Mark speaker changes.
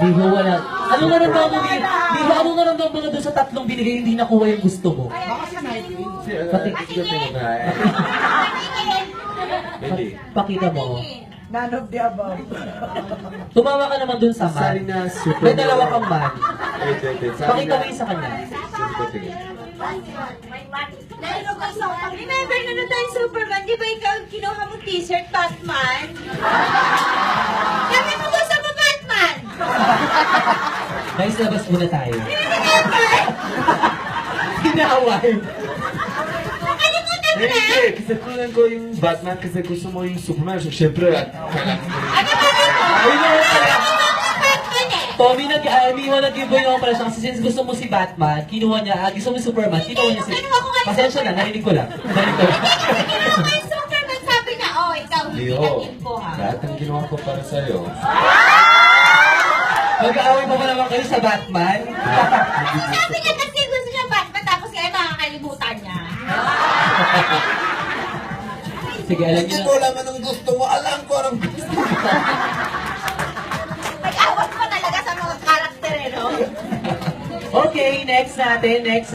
Speaker 1: Liho, wala. Anong naramdaman mo, Liho? Anong naramdaman mo na doon sa tatlong binigay hindi nakuha yung gusto mo? Pakita mo.
Speaker 2: None of the above.
Speaker 1: Tumawa ka naman doon sa man.
Speaker 3: Sorry na, super.
Speaker 1: May dalawa kang man.
Speaker 3: Wait.
Speaker 1: Pakita mo yung sa kanya.
Speaker 4: Remember na tayo Superman, di ba ikaw kinuha mong t-shirt, Batman? Sabi mo gusto mo Batman?
Speaker 1: Guys, labas muna tayo.
Speaker 4: Remember?
Speaker 1: Hinaway.
Speaker 4: Nakalimutan mo na?
Speaker 3: Hindi, kasi kunan ko yung Batman kasi gusto mo yung Superman. So, syempre,
Speaker 4: Ano ba mo?
Speaker 1: Ayun na pala.
Speaker 4: Batman eh.
Speaker 1: Tommy, nag-giveaway naman pala siya kasi since gusto mo si Batman, kinuha niya, gusto mo si Superman, kinuha niya si... Pasensya na, narinig ko lang.
Speaker 4: Kinuha ko yung Superman, sabi niya, oh, ikaw, hindi
Speaker 3: Leo,
Speaker 4: natin ko ha.
Speaker 3: lahat ang ginawa ko para sa'yo.
Speaker 1: Mag-aaway pa ba naman kayo sa Batman?
Speaker 4: Sabi niya kasi gusto niya Batman, tapos kaya makakalimutan niya.
Speaker 1: Sige, alam niyo
Speaker 3: Hindi
Speaker 1: na.
Speaker 3: ko alam anong gusto mo. Alam ko anong gusto mo.
Speaker 4: Nag-awas pa talaga sa mga karakter, eh, no?
Speaker 1: Okay, next natin, next.